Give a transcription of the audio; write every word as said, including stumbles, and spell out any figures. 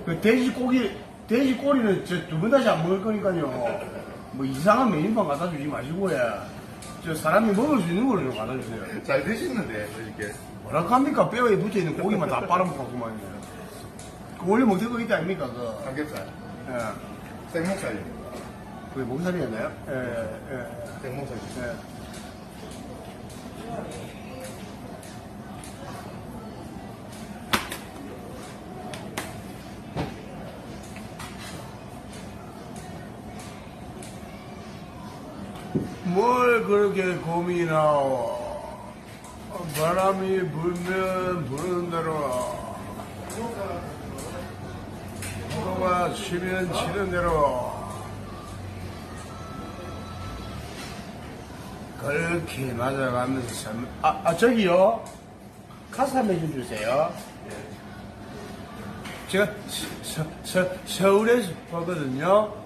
그 돼지 고기, 돼지 꼬리는 저 두 번 다시 안 먹을 거니까요. 뭐 이상한 메뉴판 갖다 주지 마시고요. 저 사람이 먹을 수 있는 거를 좀 갖다 주세요. 잘 드시는데, 이렇게. 뭐라 합니까? 뼈에 붙어있는 고기만 다 빨아먹고만요. 그 원래 먹던 거 있지 아닙니까? 그, 삼겹살. 예. 생목살입니다. 그게 목살이었나요? 예, 예, 생목살. 예. 뭘 그렇게 고민하오? 바람이 불면 부는 대로, 파도가 치면 치는 대로, 그렇게 맞아가면서 참, 아, 아 저기요. 카스 한 번 좀 주세요. 제가 서, 서, 서울에서 왔거든요.